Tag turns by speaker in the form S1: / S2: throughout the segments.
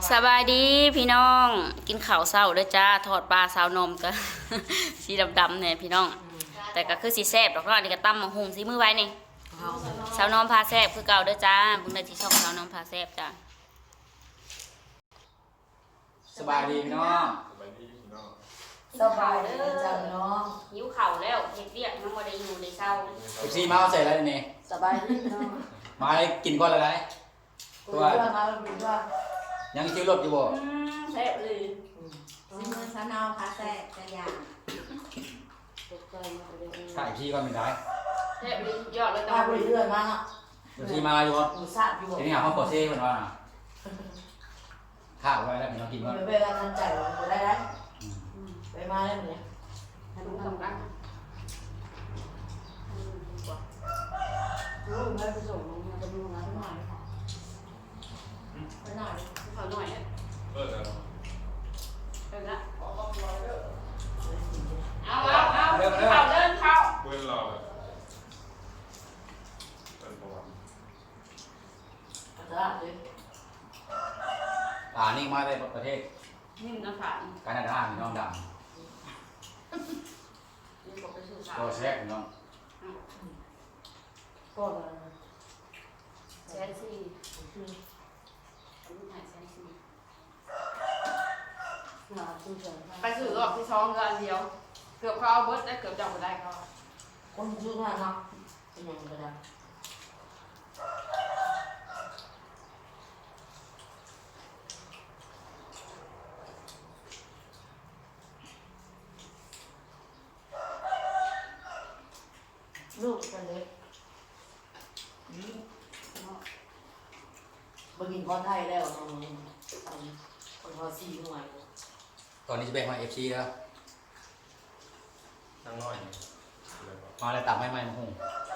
S1: สบายดีพี่น้องกินข้าวเช้าด้วยจ้าทอดปลาสาวนมก็ สีดำๆเนี่ยพี่น้องแต่ก็คือสีแซ่บดอกเนาะอันนี้ก็ตำมะฮุงสีมือไว้นี่สาวนมพาแซ่บคือเก่าด้วยจ้าบุญได้ที่ช่องสาวนมพาแซ่บจ้า
S2: สบายดีพี่น้อง
S3: สบายดีพี่น้อง
S4: สบายดีจังเนาะ
S1: หิวข้าวแล้วเฮ็ดเวียกมันบ่ได้อยู่ในเช้า
S2: เอฟซีมาเอาใส่อะไรนี่
S4: สบายดีเนาะ
S2: มาให้กินก้อนอะไร
S4: ตัวมาเป็นว่า
S2: ยังชื่อรถอยู่บ่
S1: แซ่บเลย
S5: ซิมือสนาวพาแซ่กระยา
S2: ถ่ายพี่ก่อนไม่ได้
S1: แซ่บเลยยอดเลย
S4: ตาไปเรื่อยมาเนาะ
S2: เอฟซีมาอยู่บ่
S4: หมูซาดอยู่บ่
S2: ทีนี้หาห้องโปรเซ่เพิ่นว่าน่ะข้าวไว้แล้วพี่น้องกินก่อน
S4: ไปกันทันใจมันได้ได้ไปมาได้ไหม
S1: ให้ดูทำกัน
S4: ลูกไม่ไปส่งลงมาจะดูงานหน่อยค่ะไปหน่อย
S1: ข้าวหน่อย
S3: แล้ว
S1: เป็นละเอาข้าวเดินเข้า
S3: เว้นรอเป็นประวัติ
S4: ตลาดเลย
S2: นี่มาได้ประเทศ
S1: นี่มันน้ำฝาด
S2: แคนาดาพี่น้องด
S1: นี่บอกไปสู่สา
S2: ำ
S1: ว
S2: โปรเซ่พี่น้อง
S4: ก็เลย
S1: แซนซี่ลูกหายแซนซี่
S4: หนาตู้เฉย
S1: ไปสู่รอบที่สองเดือนเดียว เกือบเขาเอาเบิร์ดได้เกือบจับไม่ได้เขา
S4: คนชื่อว่าเนาะเป็นยังไงก็ได้ลูกกันเลยมากินข้าวไทยแล้วเนาะคนข้าวซีหน่อย
S2: ตอนนี้จะไปมาเอฟซีแล้ว
S3: นั่งน้อย
S2: มาแล้วตับไม่ไหม้มาหุง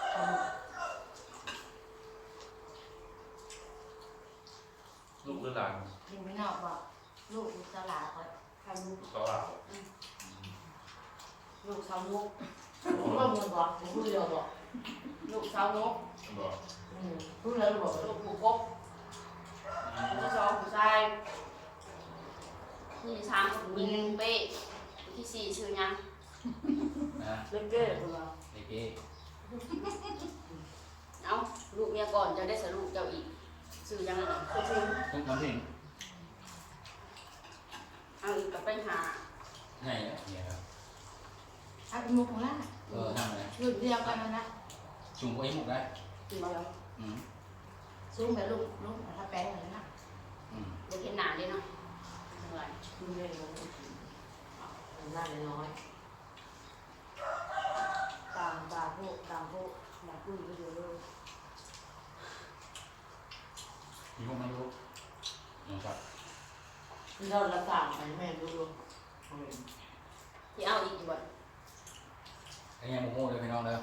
S3: ลูกหรือหลาน
S5: กินไม่นอกบอกลูกตลาดเขาทำลูก
S3: เขาหลาน
S1: ลูกสาวนุก
S4: ผมว่ามึงบอกมึงพูดเดียวบอก
S1: ลูกสาวนุก
S3: บอก
S4: พูดแล้วบอก
S1: ลูกผู้กบลูกที่สองผู้ชายผู้ที่สามผู้หญิงเป้ผู้ที่สี่ชื่อยัง
S2: นะ
S4: เล่นเก้คุณเรา
S2: เด็ก
S1: เอาลูกเมียก่อนจะได้สรุปเจ้าอีกชื่อยังไง
S4: คือทิ้ง
S2: ทุกคนที่
S1: เอาอีกกับไปหา
S2: ไหนเนี่ยครับ
S5: เอาเป็นมุกของล่า
S2: ทำอะไร
S5: ลูกเดียวกันนะ
S2: จุ่มไว้หมกได้
S1: กินมาแล้ว
S5: ซุ้มไปลูกถ้าแป้งเลยนะ
S1: เดี๋ยวเห็นหนาเลยเนาะเหนื่อย
S4: คุณเล่นแล้วน่าจะน้อย
S5: ต่างพวกอยากพูดก็เยอะเลย
S2: มีพวกไม่รู้นะครับ
S4: ที่เราละต่างไปแม่ดูดู
S1: ที่เอาอีกบ่
S2: ไอ้ยังโมโม่เลยพี่น้องเด้อ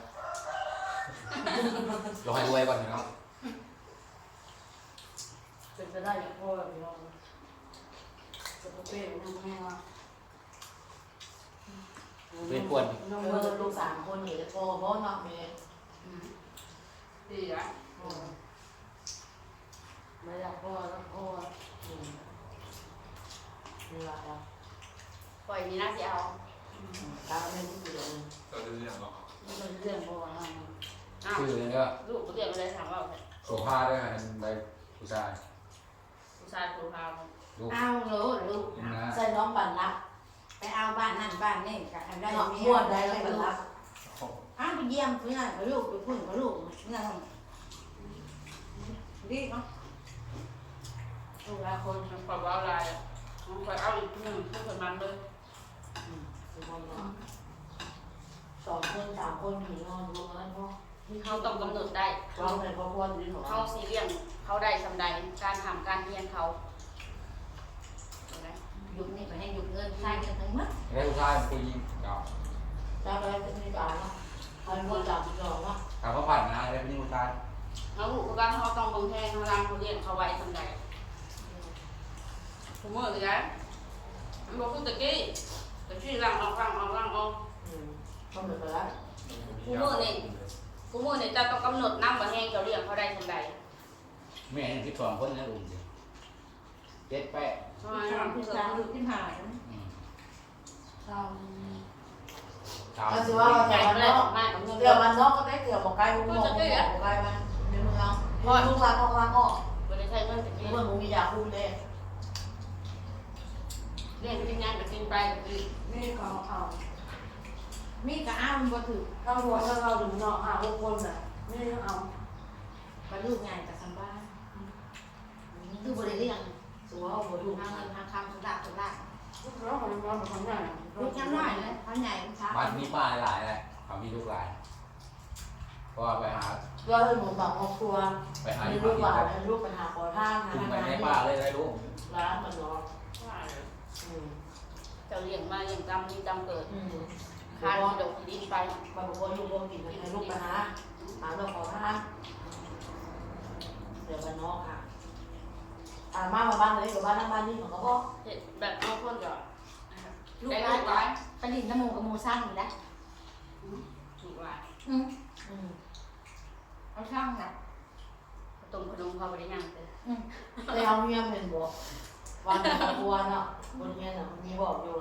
S2: เราให้รวยก่อนพี่น้อง
S4: เป็นไปได้อย่างพ่อแบบนี้จะเป้น้องแม่ว่า
S2: เป็นปวด
S4: น้องเมื่อลูก3 คนนี่จะโตเพราะน้องเมย์
S1: ดีนะ
S4: ไม่อยากพ่อแล้วพ่อนี่ละครับ
S1: ปล่อยมีหน้าที่เอา
S4: ตาไม่รู้เรื่อง
S3: ก็จะเรียกหรอก
S4: นี่เป็นเรื่องพ่อนะ
S1: อ้าว
S2: ชื่อเลยเด้อ
S1: ลูกก็เรียกอะไรถามว่า
S2: โสภาด้วยกันใบผู้ชาย
S1: ผู้ชายผู้พา
S2: ลูก
S5: เอาลูก
S2: นะ
S4: ใส่น้องปั่นรัก
S5: ไปเอาบ้านนั่นบ้านนี่กันได้
S4: น้อง
S5: เมี
S4: ม้วนได้แล้วปั่นรัก
S5: อ้าวไปเยี่ยมเพื่อนกับลูกไปพุ่นกับลูกเมื่อดีเนาะลูกหลายคน
S1: มันปล่อยเอาอะไรมันปล่อยเอาอีกหนึ่งเพื่อนมันเลย
S4: 2 คน 3 คนผีนอนรวมกันพ่อ
S1: เขาต้องกำหนดได้
S4: เราเป็นพ่อพ่อดีหรอ
S1: เขาซีเรียสเขาได้สำใดการทำการเรียนเขาเห็นไหม
S5: ยุคนี้ไปให้ยุคเงินใช้กันทั้งหมด
S2: ได้ผู้ชายผู้หญิงเนาะ
S4: จะไปเป็นนิสานเนาะพันคนจับจองเนาะ
S2: ถามว่าผ่านนะได้ผู้หญิงผู้ชาย
S1: แล้วลูกก็เขาต้องบังแทงเขาล้างเขาเรียนเขาไว้สำใดผมเมื่อเลยนะมันบอกคุณตะกี้ล้างออก
S4: ต้องเป็นไปแล้ว
S1: กูมือเนี่ยจะต้องกำหนดน้ำบะแห้งเขาเรียนเขาได้สำใด
S2: แม่ที่สองคนนะลุง 7 8
S1: ประมาณ
S5: สามที่สามหรือที่หาย
S4: ตาม
S5: เราถือว่าเรา
S1: ใหญ่
S5: จะ
S1: ก็
S5: วัน
S1: เลย
S5: น
S1: อ
S5: อ
S1: อก กมากับเงิน
S5: เกี่ยววันนอกก็ได้เกี่ยวบอกไกลบอกบอกบอกไกลมันในเมืองพอลูกหลานออกมาก็
S1: บริษัทเงินเป็น
S5: เมื่อมึงมียาคุมเลย
S1: เรื่องที่งานกับกินไปกับกิน
S4: นี่ก็เอา
S5: มีกระอ้ามันบ่ถือ
S4: ถ้ารวมแล้วเราถึงเนาะ6 คนน่ะนี่เอา
S5: กระลูกใหญ่กับสัมบ้านคือบริเรียงสัวบ่ดูทางเงินทางคำสุดาสุดา
S4: แล้วของเราเป็นของใหญ่
S5: ลูกยังน้อยเลยพันใหญ่ช้า
S2: บ้านมีป้าหลายแหละเขามีลูกหลายเพราะว่าไปหา
S5: เราเลยหมุนบอกครอบครัว
S2: ไปหา
S5: มี
S2: ที่
S5: ลูกห
S2: บ้า
S5: ลาน
S2: น
S5: ลูกไปหาขอทานหา
S2: คุม
S5: ทาง
S2: ไป
S5: งาน
S2: ใน
S5: นี่
S2: ป่าเลยได้รู้
S5: ร้านมันเนาะ
S1: เจ้าเลี้ยงมาเลี้ยงจำนี่จำเกิด
S5: คา
S1: คา
S5: ด
S1: ที่ดอกที่ดินไป
S5: บางคนลูกกินให้ลูกไปหาเราขอทานเดี๋ยวบ้านนอกค่ะมาบ้านเลยกับบ้านนั่งบ้านนี่ของเขาก็
S1: เห็ดแบบบางคนก็
S5: ลูก
S1: ได้
S5: ร้า
S1: ลู
S5: น
S1: กร้าย
S5: ไปดินน้ำมูกับมูสร้างอยู่แล้ว
S1: ลูกร้าย
S5: เอาช่างนะ
S1: ต้มขนมเขาบริยังเลย
S5: แต่เอาเมียเห็นบอกวันครอบครัวเนาะบนเมียน่ะมีบอกอยู่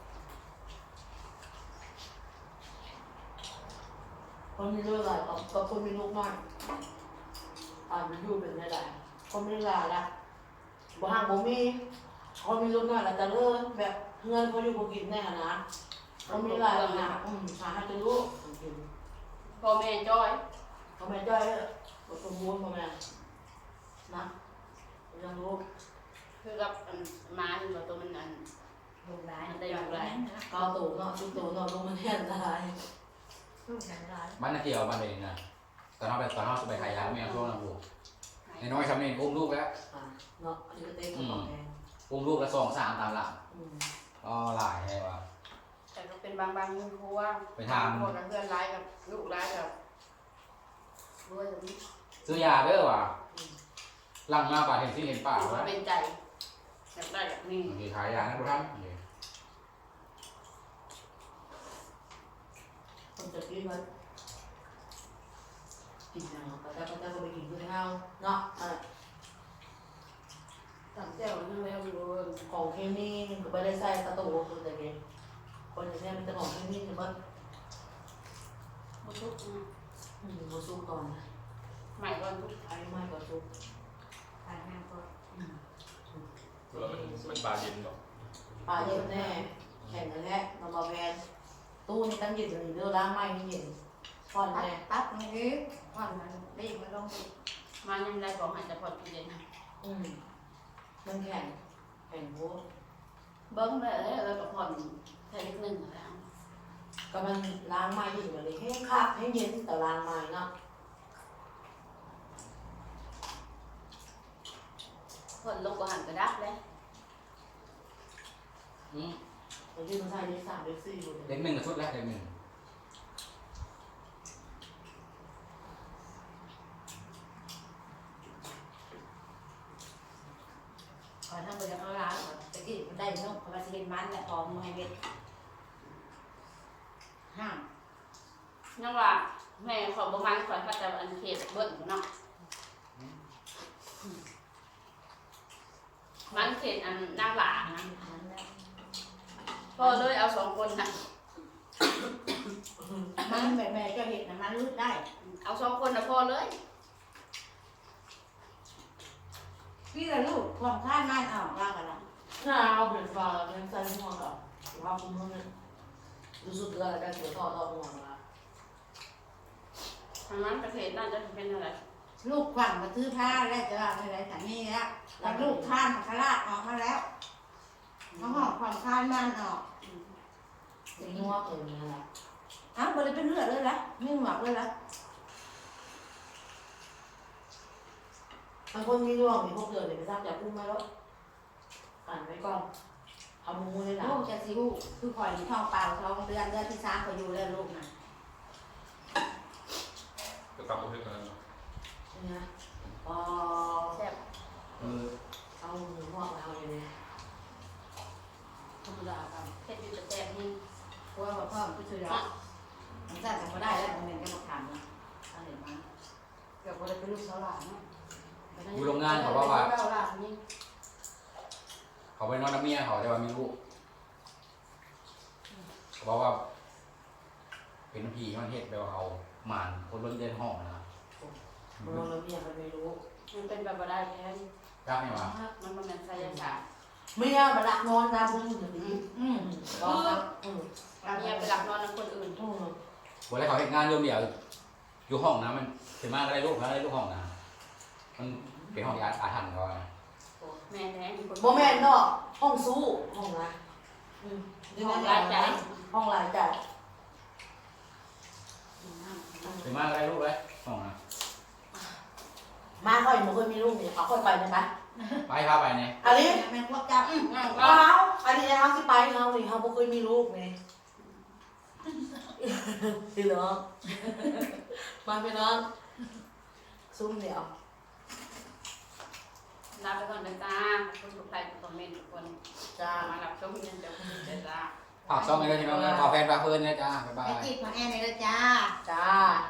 S5: คนมีลูกหลายกับคนมีลูกน้อยมันอยู่เป็นหลายคนมีหลายละบ่ห่างบ่มีคนมีลูกน้อยละจะเลิกแบบเงินเขาอยู่บ่กินแน่นะเขามีหลายนะหาให้จะลูก
S1: พ่อแม่จ้อย
S5: เขาแม่จ้อยสมบูรณ์เขาแม่นะยังลูก
S1: คือกับม้าที่ตัวมันอัน
S5: ลูกหลาน
S1: ได้ลูกหลาน
S5: เกาตูเนาะชุดตูเนาะลูกมันแห้งอะไรลูกแห้งอะไร
S2: บ้านนาเกี่ยวบ้านเองนะตอนเขาไปขายยาไม่เอาช่วงนั้นลูกน้อยๆทำเองอุ้มลูกแล้ว
S5: เนาะอันนี้ก็เต้นของแห้ง
S2: อุ้มลูกแล้ว2 3ตามหลังก็หลายให้ว่า
S1: แต่ก็เป็นบางมือเพราะว่า
S2: ไปทำ
S1: พวกกับเพื่อนร้ายกับลูกร้ายกับด้วยแบบนี้
S2: ซื้อยาเด้อว่ะหลังมาป่าเห็นที่เห็นป่า
S1: ถือ
S2: ว่า
S1: ว่าเป็นใจอยากได้แบบนี้
S2: บางทีขายยานะทุกท่าน
S5: คนจะกินมันกินเนาะแต่ก็ไปกินด้วยเฮาเนาะ
S1: ตั้งเจ้านั่งแล้วอยู่
S5: ของเคมีก็ไม่ได้ใส่กระตูคือแต่เองคนอย่างนี้มันจะของเคมีคือมัน
S1: มุทุก
S5: มาสู้ก่อน
S1: ใหม่ก่อนทุก
S5: ไอ้ไม่ก็สู้
S1: ทางงานก็
S3: เพื่อมันปลาเย็นหรอก
S5: ปลาเย็นแน่แข่งกันแน่นำมาแวนตู้นี่ตั้งเย็นอยู่เรื่องล้างไม้นี่เย็นก่อนแน่
S6: ตัดมันนี้ก่อนมันรีบมันลงไป
S1: มายังได้ของหายจะพอดีเลยนะ
S5: มันแข่งโว้
S1: เบิ้งเลยแล้วก็ผ่อนแค่นิดนึงแล้ว
S5: ก็มันล้างไม้อยู่แบบนี้ให้คาบให้เย็นแต่ล้างไม้เนาะ
S1: ผ่อนลงก็หันกระดับเลย
S5: มันยืนใส่ได้3ได้4อยู่
S2: เด็กหนึ่งกับชุดแรกเด็กหนึ่ง
S6: ก่อนทำมือเอาล้างก่อนตะกี้มันได้นกเพราะว่าสิเห็นมันแหละพอมือให้เบ็ดห้าม
S1: นั่นว่าแม่ขอประมาณขอเขาจะอันเขตเบิ้ลเนาะมันเขตอันนางหลานะ
S6: มันแล้ว
S1: ก็เลยเอา2 คนนะ
S6: มันแบบแม่ก็เห็นนะมันรูดได้
S1: เอา2 คนนะพอเลย
S6: พี่ละลูกความคาดมันออกว่ากันละ
S5: น่าเอาเป็นฟ้าเป็นใส่หัวกับว่าคุณมึงเนี่ยรู้สึกอะไรกันเสียต่อหัวมา
S1: ทางนั้นประเทศน่าจะเป็นอะไร
S6: ลูกขวัญมาซื้อผ้าแล้วจะว่าอะไรแต่นี่แล้วแล้วลูกข้านมาคลาดออกมาแล้วเขาหอบความคาดมันออก
S5: เป็นนัวเนี่ยแหละ
S6: อ้าวบริเป็นเลือดเลยละไม่หมักเลยละ
S5: บางคนมีร่วงมีพวกเดือดเลยไปทราบจากอุ้มไหมแล้วอ่านไว้ก่อนทำมูเลยนะ
S6: ลูกจะสิลูกคือข่อยท้องเปล่า2 เดือนเดือนที่3ก็อยู่แล้วลูกนะ
S3: ก็ตามประเภทนั้น
S5: เนี่ยอ๋อ
S1: แซ่บ
S5: เอาหมูหอกเอาอย่างนี้
S1: ธรรมดาครับเผ็ดอยู่แต่แซ่บนี่
S6: เพราะว่าพ่อผู้ช่วยเรามันสั่นทำมาได้แล้วมันเป็นกรรมฐานนะถ้าเห็นมาเกือบบริเป็นลูกสาวหลานเนาะ
S2: อยู่โรงงานเขาว่า
S1: เจ้าหลานนี่
S5: เ
S2: เขาไปนอนน้ำเมียเขาแต่ว่ามีลูกเขาบอกว่าเป็นผีมันเห็ดแบบว่าเอาหมานคนล้นเดินห้องนะ
S5: มันนอนแล้วเมียมันไม่รู้
S1: มันเป็นแบบบ่ได้แท้
S2: กล้าไหมวะ
S1: มันบ่แม่นไสยศาสตร์
S5: เมียมาดักนอนตามคนอื่นอย่างนี้บอกครับอืม
S1: เมียไปหลับนอนกับคนอื่น
S5: อืม
S2: วันแรกเขาเห็นงานเรื่องเดียวอยู่ห้องนะมันถึงมากก็ได้ลูกแล้วได้ลูกห้องนะมันเป็นห้องที่อาถรรพ์เขาอะ
S1: แม่แท้มีคน
S5: โมแมนเนาะห้องสู้ห้องนะอืม
S1: ห้องรายจ่าย
S5: ห้องรายจ่าย
S2: ถึงมากก็ได้ลูกเลยห้องนะ
S5: มาค่อยมันเคยมีลูกเนี่ยเขาค่อยไปนะคะ
S2: ไปพาไปเนี่ย
S5: อันนี้
S6: แม่พวกเจ้า
S5: เขาอันนี้เขาที่ไปเขานี่เขาบ่เคยมีลูกนี่ดีเหรอมาไปนอนซุ่มเดี๋ยว
S1: ลาไปก่อนนะจ้าขอบคุณทุกท่านทุกคอมเมนต์ทุกคน
S5: จ้า
S1: มารับชมกันเดี๋ยวคุณจ้า
S2: ฝากช่องเลยที่น้องนะขอแฟนฝากเพื่อนนะจ้าบ๊ายบา
S6: ไป
S2: ย
S6: จีบของแอนเลยจ้า
S5: จ้า